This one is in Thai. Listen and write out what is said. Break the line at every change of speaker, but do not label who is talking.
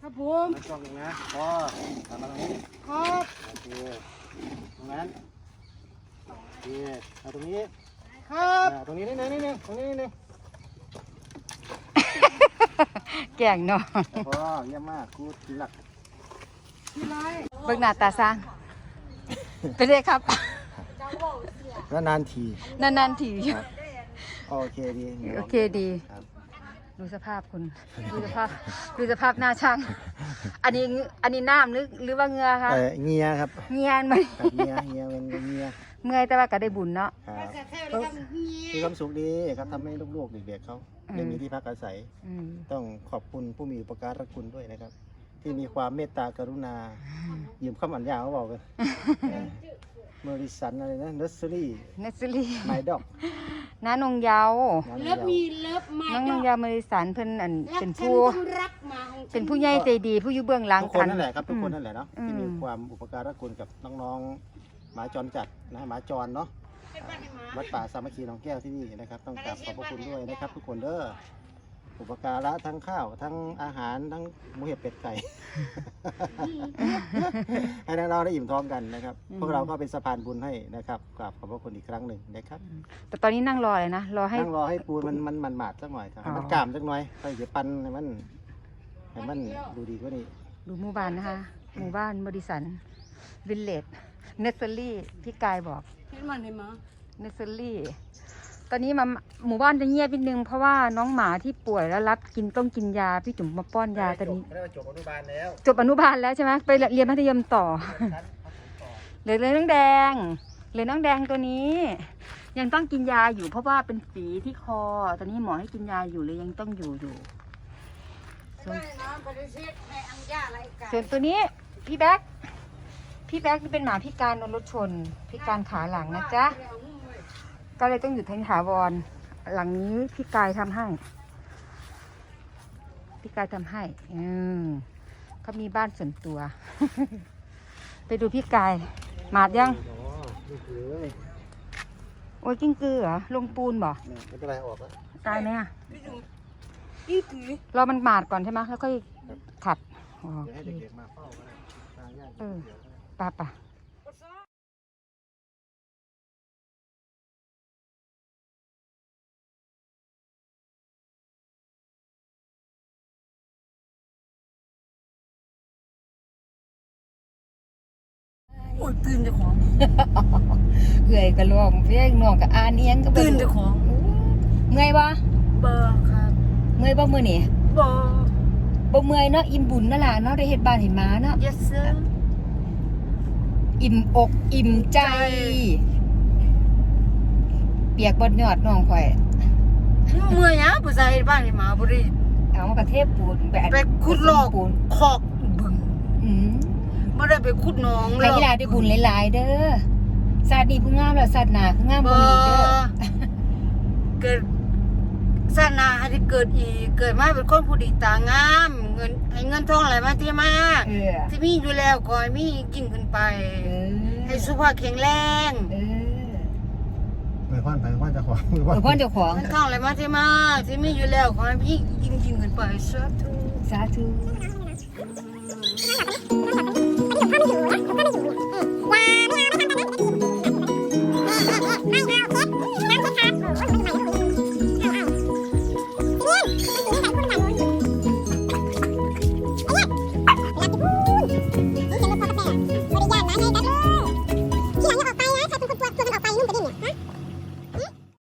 ครับผม
ช่องหนึ่งนะพอทำมาตรงนี้
ครับ
โอเคตรงนั้นโอเคเอาตรงนี้
ครับ
ตรงนี้นิดนึงตรงนี้นิดนึง
แก่งเนาะ
พอเยี่ยมมากกูหลัก
ที่ไร
เบิ่งหน้าตาสร้างเป็นไงครับ
แล้วนานที
นานๆที
โอเคดี
โอเคดี
ครับ
ดูสภาพคุณดูสภาพหน้าช่างอันนี้น้ำหรือว่าเหงือคะ
เงียครับ
เหงียนไหม
เงียเป็นเงีย
เมื่อยแต่ว่าก็ได้บุญเนาะ
ครับ
แค่เลยครับเฮีย
มีความสุขดีครับทำให้ลูกๆเด็กๆเขาได้มีที่พักอาศัย
อืม
ต้องขอบคุณผู้มีอุปการะคุณด้วยนะครับ ที่มีความเมตตากรุณายืมคำอัญญาเขาบอกกันเมอริสันอะไรนะเนสเซอรี่
เนสซิลี่
ไมดอก
น้านงเยาว์
เลิฟมีเลิฟมา
น้องนงเยาว์มริสันเพิ่นอัน
รัก
เป็น
ฉัน
ผู้
ต้องรักมาของฉัน
เป็นผู้ใหญ่ใจดีผู้อยู่เบื้องหลัง
ทุกคนนั่นแหละครับทุกคนนั่นแหละเนาะ
อืม
ที่มีความอุปการะคุณกับน้องๆหมาจรจัดนะหมาจรเนาะ
เป็นบ้านให้หมา
วัดป่าสามัคคีหนองแก้วที่นี่นะครับต้องกราบขอบพระคุณด้วยนะครับ ทุกคนเด้ออุปการะทั้งข้าวทั้งอาหารทั้งหมูเห็ดเป็ดไก่ ให้น้องๆได้อิ่มท้องกันนะครับพวกเราก็เป็นสะพานบุญให้นะครับกราบขอบพระคุณอีกครั้งหนึ่งนะครับ
แต่ตอนนี้นั่งรอเลยนะรอให้
นั่งรอให้ปูนมันหมาดสักหน่อยครับให้มัน
อ๋อ
กล้ามสักหน่อยไปเดี๋ยวปันให้มันดูดีกว่านี้
ดูหมู่บ้านนะคะหมู่บ้านบริสันวิลเลจเนสเซอรี่พี่กายบอก
เป็นบ้านให้หมา
เนสเซอรี่ตอนนี้มาหมู่บ้านจะเงียบนิดนึงเพราะว่าน้องหมาที่ป่วยแล้วรับต้องกินยาพี่จุ๋มมาป้อนยาตอนนี้
ไม่ได้จบอนุบาลแล้ว
จบอนุบาลแล้วใช่ไหมไปเรียนมัธยมต่อเหลือน้องแดงเหลือน้องแดงตัวนี้ ยังต้องกินยาอยู่เพราะว่าเป็นฝีที่คอ ตอนนี้หมอให้กินยาอยู่เลยยังต้องอยู่ส่วน
ไม่นะปฏิเสธในอังยาอะไรกัน
ส่วนตัวนี้พี่แบ๊กที่เป็นหมาพิการโดนรถชนพิการขาหลังนะจ๊ะก็เลยต้องหยุดทางถาวรหลังนี้พี่กายทำให้เขามีบ้านส่วนตัว ไปดูพี่กายหมาดยัง
อ๋อนี่คือเลย
โอ้ยกิ้งกือเหรอลงปูนบ่
เนี่ยไม่เป็นไรออกแล้ว
ตายไหมอ่ะ
นี่คือ
รอมันหมาดก่อนใช่ไหมแล้วค่อยขัดอ๋อ
เดี๋ยวให้
โอเค
เด็กๆมาเฝ้าก็ได้ทางญาติ
เออ
เดี๋ยวก็ได้
ป่ะ
โอ้ยตื่นเจ้าของ
เอื่อยกระลวงเพี้ยงน่องกับอานเอียงก็บ่
ตื่นเจ้าของ
เมื่อยบ่
เบอร์ครับ
เมื่อยบ่มื้อนี่
เบอร์
บ่เมื่อยเนาะอิ่มบุญนั่นล่ะเนาะได้เฮ็ดบ้านให้หมาเนาะ
yes sir
อิ่มอกอิ่มใจ เปียกบดยอดน้องข่อย
เมื่อยนะผู้ชายบ้านให้หมาบริ
เอามากระเทพปูนไปอัด
ไปขุดหลอก
ปูน
คอกบึง
อืม
ไม่ได้ไปขุดหนอง
ให้กีฬาได้บุญหลายๆเด้อศาสตร์นี้ผู้งามแล้วศาสตร์หน้าผู้งาม
เบ
บ่
อ
มีเด้อ
ร์เกิดศาสนาให้เกิดอีกเกิดมาเป็นคนผู้ดีตางามเงินให้เงินทองไหลมาเที่มา
เออ
ที่มีอยู่แล้วก็ให้มียิ่งขึ้นไป
เออ
ให้สุขภาพแข็งแรง
เออ
ไปควันจะขวาง
เออพ่อเจ้าของ
เงินทองไหลมาเที่มาที่มีอยู่แล้วขอให้พี่ยิ่งขึ้นไปสาธุ
สาธุ
อืม